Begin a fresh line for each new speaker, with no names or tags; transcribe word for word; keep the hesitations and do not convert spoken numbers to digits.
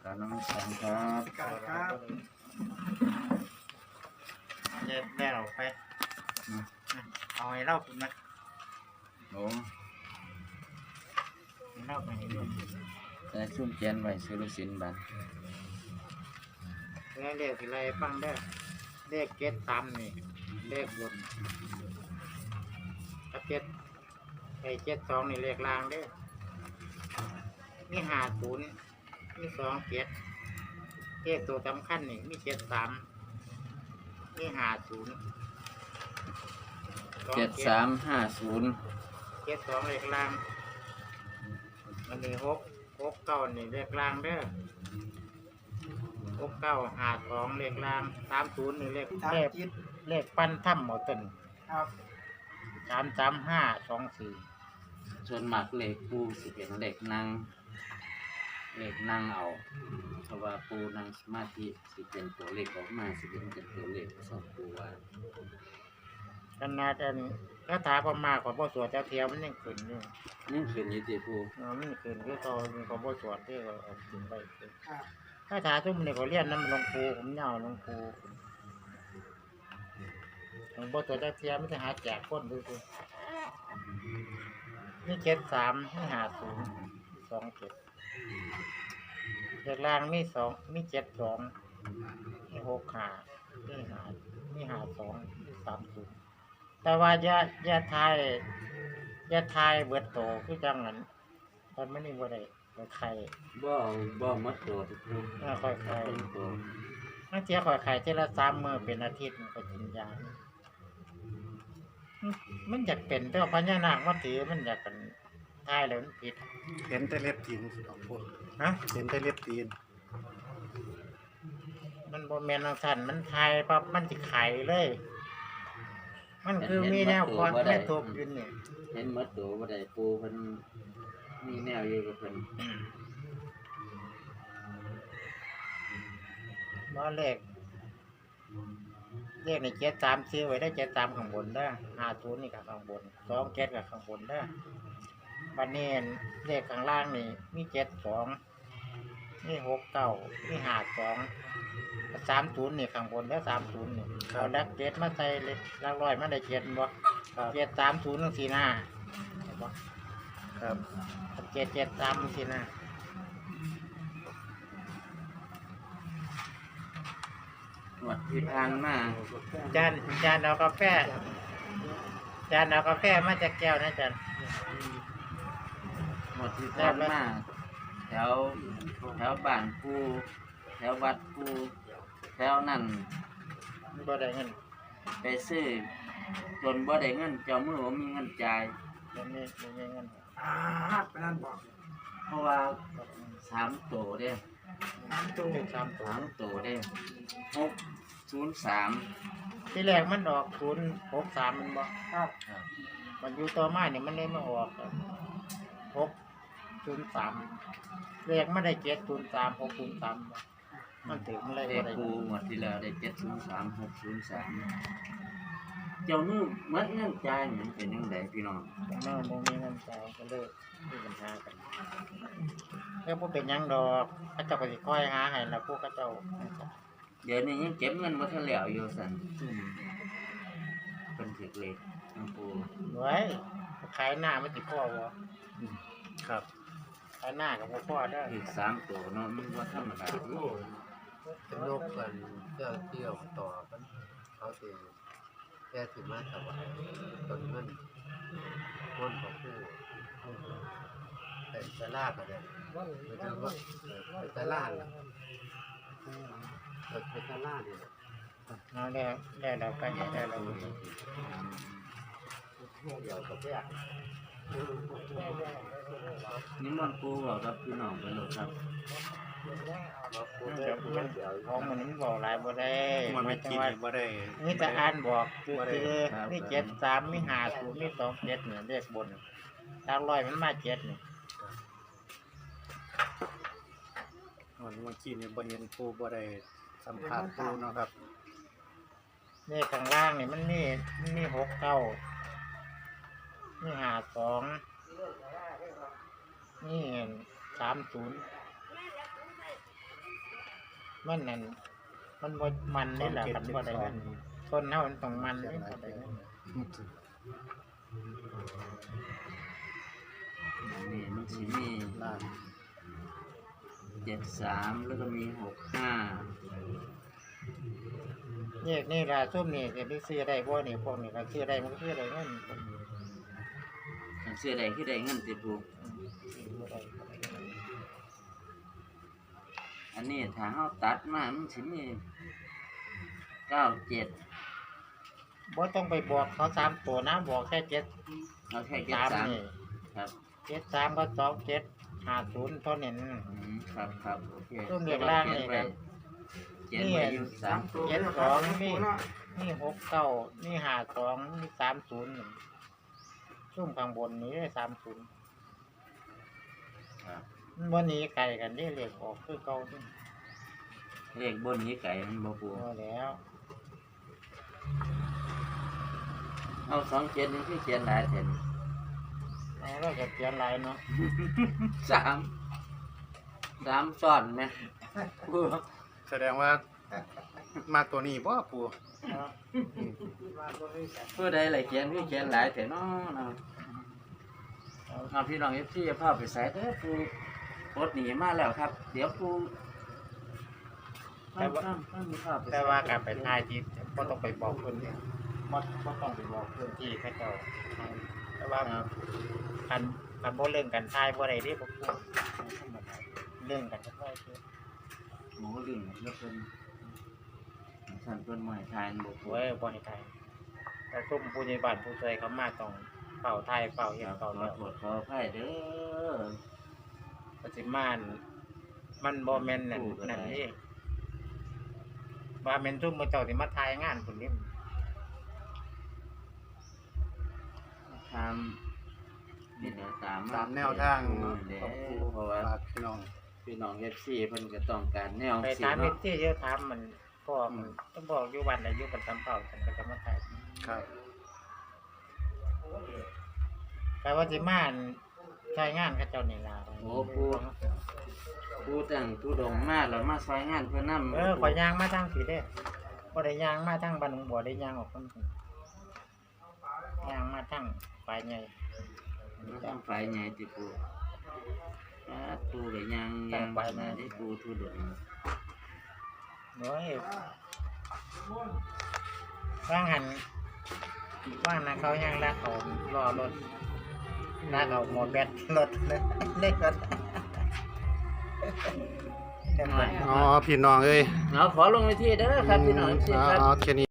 การน้ำสังครับ
ครับเด็ดแม่เราไปเอาให้เล่าคุณนะ
โอ้
ให้เล่าไปให้ดู
แต่ซุ่มเขียนไว้ซื้อลูกศิลป์บัน
แล้วเลขอะไรฟังได้เลขเจ็ดสามนี่เลขบนถ้าเจ็ดไอ้เจ็ดสองนี่เลขล่างเด้อมีห้าศูนย์มีสองเจ็ดเลขตัวสำคัญนี่มีเจ็ดสามมีห้าศูนย์
เจ็ดสามห้าศูนย์
เจ็ดสองเลขล่างมันมีหกหกเก้านี่เลขล่างเด้อหกเก้าห้าสองเลขล่างสามศูนย์นี่เลขเลขเลขปั้นถ้ำหมดต้น
ครับ
สามสามห้าสองสี่
ส่วนมากเลขปูสิเป็นเลขนั่งเลขนั่งเอาเพราะว่าปูนั่งสมาธิสิเป็นตัวเลขออกมาสิเป็นเป็นตัวเลขสองปูว่า
ขนาดอันคาถาพม่าของพ่อสวดเจ้าเทียมมันยังขึ้นอยู่
นี่คือยี่สิบปู
เออมันขึ้นคือเขาของพ่อสวดที่เขาเอาขึ้นไป
ครับ
คาถาทุ่มนี่เขาเรียนน้ำหลวงปู่ผมเหงาหลวงปู่ของพ่อสวดเจ้าเทียมมันจะหาแจกคนดูสินี่เจ็ดสามนี่หาศูนย์สองเจ็ดเด็กล่างมีสองมีเจ็ดสองมีหกขามีหามีหาสองมีสามศูนย์แต่ว่าอย่าอย่าทายอย่าทายเบิดโตคือจังนั้นตอนไม่ได้บ่ได้บ่ไข่
บ่บ่มัดตัวทุกปู
เออค่อยไข่
เป็นตัว
บางเทีค่อยไข่เทละสามมื้อเป็นอาทิตย์มันก็กินยามันมันอยากเป็นแต่ว่าพญานาคมาถือมันอยากกันทายแล้วมันผิด
เห็นแต่เล็บตีนสองคน
ฮะ
เห็นแต่เล็บตีน
มันบ่แม่นจังซั่นมันทายปั๊บมันสิไข่เลย มันคือมีแนวคอนแม่ทุบอยู่นี่
เห็นมัดตัวบ่ได้ปูเพิ่นมีแนวอยู่กับเพิ่น
บ่เลขเลขในเจ็ดสามซื้อไว้ได้เจ็ดสามข้างบนเด้อห้าศูนย์นี่ก็ข้างบนสองเจ็ดก็ข้างบนเด้อบัดนี้เลขข้างล่างนี่มีเจ็ดสองมีหกเก้ามีห้าสองสามศูนย์นี่ข้างบนแล้วสามศูนย์นี่เอาดักเจ็ดมาใส่เลขหลักร้อยมาได้เจ็ดบ่เจ็ดสามศูนย์จังซี่นะเห็นบ่
ครับ
เจ็ดเจ็ดสามจังซี่นะ
หวดที่ผ่านมา
จานจานเอากาแฟจานเอากาแฟมาจากแก้วนะจาน
หวดที่ผ่านมาแถวแถวบ้านปูแถววัดปูแถวนั่น
บ่ได้เงิน
ไปซื้อจนบ่ได้เงินเจ้ามือบ่มีเงินจ่าย
เดี๋ยวนี้บ่มีเงิน
อ่าไปนั่นบอก
เพราะว่าสามโตเด้
น้ำตู้
เลขสามตัว
สามโตเด้หกศูนย์สาม
ที่แรกมันออกศูนย์หกสามมันบ่
ครับ
มันอยู่ต่อมาเนี่ยมันเลยมาออกหกศูนย์สามเลขมันได้เจ็ดศูนย์สามหกศูนย์สามมันถึงมันเลย
เล
บ่
ข
ได้
ปูหมดที่แล้วได้เจ็ดศูนย์สามหกศูนย์สามเจ้ามือหมัดเงินจ่ายมันเป็นยังไงพี่น้อง
มันบ่มีเงินจ่ายก็เลยมีปัญหากันแล้วบ่เป็นหยังดอกเขาเจ้าก็สิคอยหาให้แล้วพวกเขาเจ้า
เดี๋ยวนี้ยังเก็บเงินบ่ทันแล้วอยู่สั่นเป็นถึกเลขน้ำปู
ไว้ขายหน้ามันสิพอบ่
ครับ
ขายหน้าก็บ่พอเด้อ
อีกสามตัวเนาะมันบ่ธรรมดา
โลกกันเที่ยวเที่ยวต่อกันเขาสิแค่ถึงมาถวายตนเงินคนของผู้เป็นตลาดอะไรเป็นตลาดเป็นตลาดล่ะเป็นตลาดเนี่ย
เอาแล้วแล้วเราก็ให้ได้แล้ว
เดี๋ยวกับแยก
นี่มันปูบอกกับพี่น้องไปเลยครับ
มันจะมันของมันมันบอกหลายบ่ได้
มันไม่กิน
ว่า
บ่ได้
มีแต่อ่านบอกคือคือมีเจ็ดสามมีห้าศูนย์มีสองเจ็ดเนี่ยเลขบนทางร้อยมันมาเจ็ดนี่
มันเมื่อกี้นี่บ่เห็นปูบ่ได้สัมภาษณ์ปูเนาะครับ
เลขข้างล่างนี่มันมีมันมีหกเก้ามีห้าสองมีสามศูนย์มันนั่นมันบ่มันนี่แหละกันบ่ได้มันต้นเฮามันต้องมันนี่บ่ได้มัน
นี่มันสิมี
ล่าง
เจ็ดสามแล้วก็มีหกห้า
แยกนี่ล่ะซุ่มนี่สิไปซื้อได้บ่นี่พวกนี้ก็ซื้อได้มันก็ซื้อได้เงิน
อันเสื้อใดคือได้เงินติดปู
ซื้อบ่ได้
อันนี้ถ้าเฮาตัดมามันสิมีเก้าเจ็ด
บ่ต้องไปบอกเขาสามตัวนะบอกแค่เจ็ด
เอาแค่เจ็ด
สาม
สาม
นี่
ครับ
เจ็ดสามก็สองเจ็ดห้าศูนย์เท่านั้น
อืมครับครับโอเค
ช่วงเรียกล่างนี่ครับ
เขียนไว้อยู่สาม
เจ็ดสองมีมีหกเก้ามีห้าสองมีสามศูนย์ช่วงข้างบนนี้สามศูนย์
ครับ
วันนี้ไก่กันได้เลขออกคือเก่าที่
เลขบนนี้ไก่มันบ่ปู
พอแล้ว
เอาสองเจ็ดนี่คือเขียนหลายแผ่น
เอาเราจะเขียนลายเนาะ
สามสามซ้อนไหมปู
แสดงว่ามาตัวนี้บ่ปู
ผู้ใดไหลเขียนคือเขียนหลายแต่น้อเนาะเอาพี่น้องเอฟซีจะพาไปใส่เด้อปูรถหนีมาแล้วครับ เดี๋ยวปูตั้งตั้งตั้งมีภาพไป
แต่ว่าการไปทายที่ก็ต้องไปบอกคนเนี่ยมดก็ต้องไปบอกพื้นที่เขาเจ้าแต่ว่าคันคันบ่เรื่องกันทายบ่ได้เดิบ่พูดเรื่องกันก็ได้คือ
หมูลิงแล้วเป็นสั่นเป็นหมายทานบุก
โอ้ยบ่ให้ทายแต่ซุ่มผู้ใหญ่บ้านผู้ช่วยเขามาต้องเฝ้าทายเฝ้าเฮ็ด
ขอ
เฝ้าแล้ว
โทษขออภัยเด้อ
ปฏิมานมันบ่แม่นนั่นนั่นนี่ว่าแม่นซุ่มมื้อเจ้าสิมาทายงานพุ่นนี่
ทำนี่เดี๋ยวตาม
ตามแนวทาง
เนาะ
เนาะ
เดี๋ย
ของปู
วเพราะว่า
ฝากพี่น้อง
พี่น้องเอฟซีเพิ่นก็ต้องการแนว
ไป
สิ
ถามเฮ็
เนาะ
ดที่เยอะถามมันพ่อมันต้องบอกอยู่วันอายุกันตามเฝ้าฉันก็จะมาทาย
ครับ
แต่ว่าสิมาอั่นใช้งานเขาเจ้านี่ล่ะ
โอ้ปูปูตั้งปูดงมาแล้วมาซอยงานเพื่อนนำ
เออข่อยย่างมาทางสีเด้บ่ได้ย่างมาทางบ้านหนองบัวได้ย่างออกคนพุ่นย่างมาทางฝ่ายใหญ่
มาทำไฟใหญ่ติปูอ่าปูก็ยังยังมาได้ปูทุดง
โอ้ยว่างหันว่างนะเขาย่างลากเขารอรถลากเอาหมดแบตรถเลยเล็กรถจังหวะ
อ๋อพี่น้องเอ้ย
เอาขอลงไปที่เด้อครับพี่น้อง
อืม
ที่
อ๋
ครับ
อแค่นี้